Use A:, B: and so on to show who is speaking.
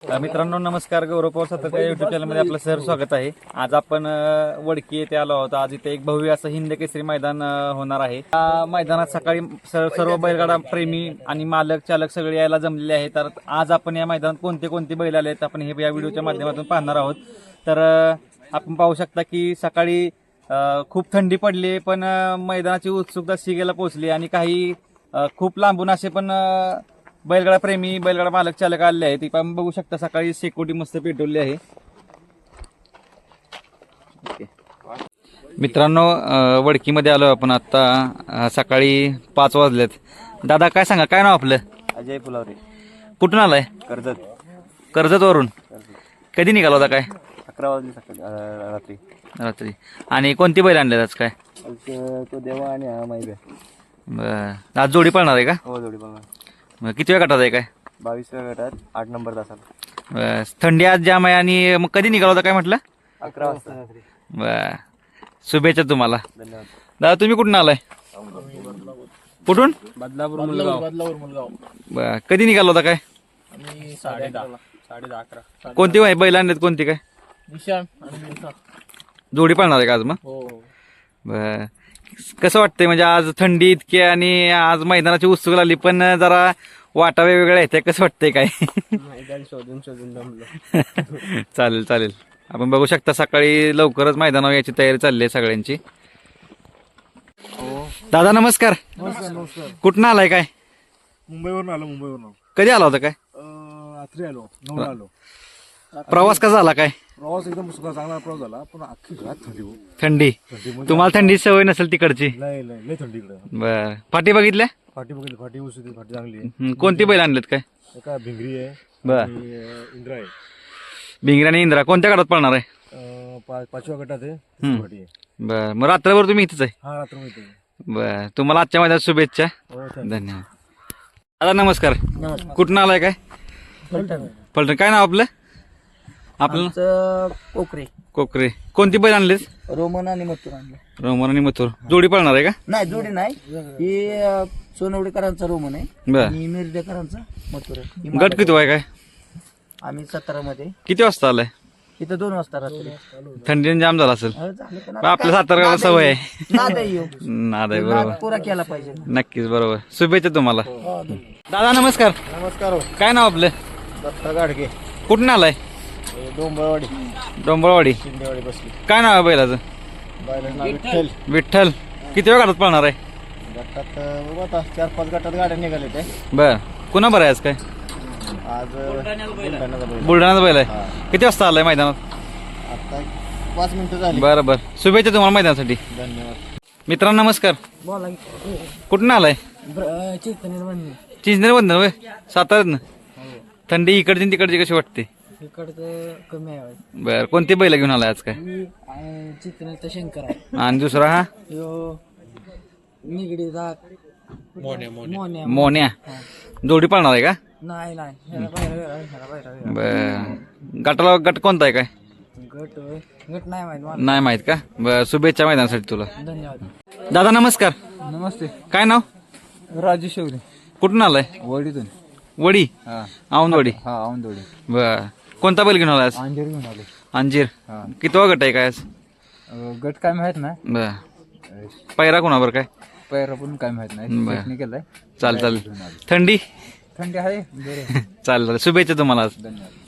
A: मित्रांनो नमस्कार. गौरव पवार सातारकर युट्यूब चॅनलमध्ये आपलं सर स्वागत आहे. आज आपण वडकी येथे आलो आहोत. आज इथे एक भव्य असं हिंद केसरी मैदान होणार आहे. या मैदानात सकाळी सर्व बैलगाडा प्रेमी आणि मालक चालक सगळे यायला जमलेले आहेत. तर आज आपण या मैदानात कोणते कोणते बैल आले आहेत आपण हे या व्हिडिओच्या माध्यमातून पाहणार आहोत. तर आपण पाहू शकता की सकाळी खूप थंडी पडली पण मैदानाची उत्सुकता शिगेला पोहोचली आणि काही खूप लांबून असे पण बैलगाडा प्रेमी बैलगाडा मालक चालक आले आहेत. आपण बघू शकता सकाळी शेकोटी मस्त पेटवली आहे. मित्रांनो वडकीमध्ये आलो आपण आता. सकाळी 5 वाजलेत. दादा काय सांगा, काय नाव आपलं?
B: अजय फुलावरे.
A: कुठून आलाय? कर्जत वरून. कधी निघाला होता? काय
B: 11 वाजले सकाळी रात्री.
A: रात्री. आणि कोणती बैल आणले आज? काय
B: तो देवा आणि हा माहिती.
A: बरं, आज जोडी पळणार आहे का?
B: हो, जोडी बघा.
A: किती वेळ गटात आहे? काय
B: 22व्या गटात 8 नंबर तासाला.
A: बस. थंडी आज जाम आहे. आणि मग कधी निघाला होता? काय म्हटलं?
B: 11 वाजता.
A: बर, शुभेच्छा तुम्हाला.
B: धन्यवाद.
A: दादा तुम्ही कुठून आलाय? कुठून?
B: बदलापूर मुलगाव.
A: बर, कधी निघाला होता? काय
B: 10:30.
A: कोणती बैल आणलेत? कोणती? काय
B: निशान
A: जोडी पळणार आहे का आज? मग
B: हो.
A: बर, कसं वाटतंय? म्हणजे आज थंडी इतकी आणि आज मैदानाची उत्सुक लागली पण जरा वाटा वेगवेगळ्या आहेत. कसं वाटतंय? काय
B: शोधून जमलं.
A: चालेल चालेल. आपण बघू शकता सकाळी लवकरच मैदानावर याची तयारी चालली आहे सगळ्यांची. दादा नमस्कार. कुठनं आलाय? काय
C: मुंबईवरून आलो.
A: कधी आला होता? काय
C: रात्री आलो, 9ला आलो.
A: प्रवास कसा झाला? काय
C: प्रवास एकदम चांगला प्रवास झाला, पण अख्खी घरात थंडी हो.
A: थंडी
C: म्हणजे
A: तुम्हाला थंडी सवय नसेल तिकडची.
C: लय थंडी इकडे.
A: बर, फाटी बघितल्या?
C: फाटी बघितली, फाटी उशी, फाटी चांगली आहे.
A: कोणती बैल आणलेत? काय
C: एका भिंगरी आहे
A: बर.
C: आणि इंद्रा आहे.
A: भिंगरी आणि इंद्रा कोणत्या गटात पळणार आहे?
C: 5व्या गटात आहे. तिसरी फाटी आहे.
A: बर, मग रात्रभर तुम्ही इथेच आहे?
C: हा, रात्र मिळते.
A: बर, तुम्हाला आजच्या मैदानात शुभेच्छा.
C: हो,
A: धन्यवाद. दादा नमस्कार. कुठून आलाय? काय फलटण. काय नाव आपलं?
B: कोकरे.
A: कोकरे. कोणती बैल आणलेत?
B: रोमन आणि मथुर आणलं.
A: रोमन आणि मथुर जोडी पळणार आहे का?
B: नाही, जोडी नाही. ही सोनवडेकरांचा रोमन आहे
A: बर.
B: आणि मिरडेकरांचा मथुर आहे. ही
A: गट किती आहे? काय
B: आम्ही 17 मध्ये.
A: किती वाजता आलाय?
B: इथं 2 वाजता रात्री.
A: थंडीने जाम झाला असेल.
B: झालं पण
A: पण आपल्या सातारला सवय आहे.
B: नाद आहे ह्यो.
A: नाद आहे, बरोबर.
B: नाद पुरा केला पाहिजे.
A: नक्कीच, बरोबर. शुभेच्छा तुम्हाला. दादा नमस्कार.
C: नमस्कार.
A: काय नाव आपलं?
C: दत्ता गाडगे,
A: कुठून आलाय?
C: डोंबरवाडी,
A: डोंबळवाडी.
C: शिंदेवाडी बसली.
A: काय नाव आहे बैलाचं?
C: बायला विठ्ठल.
A: विठ्ठल. किती वेळ गटात पळणार आहे?
C: गटात बघू आता 4-5 गटात गाड्या निघाले ते.
A: बर, कुणा बरं आहे आज? काय
C: आज बुलढाण्याचा बैल.
A: बुलढाण्याचा बैल आहे. किती वाजता आलाय मैदानात?
C: आता 5 मिनिटं झाली.
A: बरं बरं, शुभेच्छा तुम्हाला मैदानासाठी.
C: धन्यवाद.
A: मित्रांनो नमस्कार.
B: बोला.
A: कुठून आलाय? चिंचनेर बंधन होय, साताऱ्यातनं. थंडी इकडची आणि तिकडची कशी वाटते?
B: इकडचं कमी आहे.
A: बर, कोणती बैल घेऊन आलाय आज? काय
B: चित्रनेचा शंकर आहे.
A: आणि दुसरा हा
B: निगडीचा
A: मोन्या. जोडी पळणार आहे का?
B: नाही. ह्याला बाहेर
A: बर, गटाला गट कोणता आहे? काय
B: गट नाही माहित मला.
A: नाही माहित का? बर, शुभेच्छा मैदानासाठी तुला.
B: धन्यवाद.
A: दादा नमस्कार.
B: नमस्ते.
A: काय नाव?
B: राजू शेवरे.
A: कुठून आलाय?
B: वडीतून.
A: वडी. औंधवडी.
B: हा, औंधवडी.
A: बर, कोणता बैल घेऊन आलाय आज?
B: अंजीर घेऊन आले.
A: अंजीर. कितवा गट आहे? काय आज?
B: गट काय माहित नाही.
A: बर, पैरा कोणावर? काय
B: पैरा पण काय माहित नाही.
A: बर,
B: केलाय.
A: चालेल. थंडी
B: थंडी आहे.
A: चालेल. शुभेच्छा तुम्हाला आज.
B: धन्यवाद.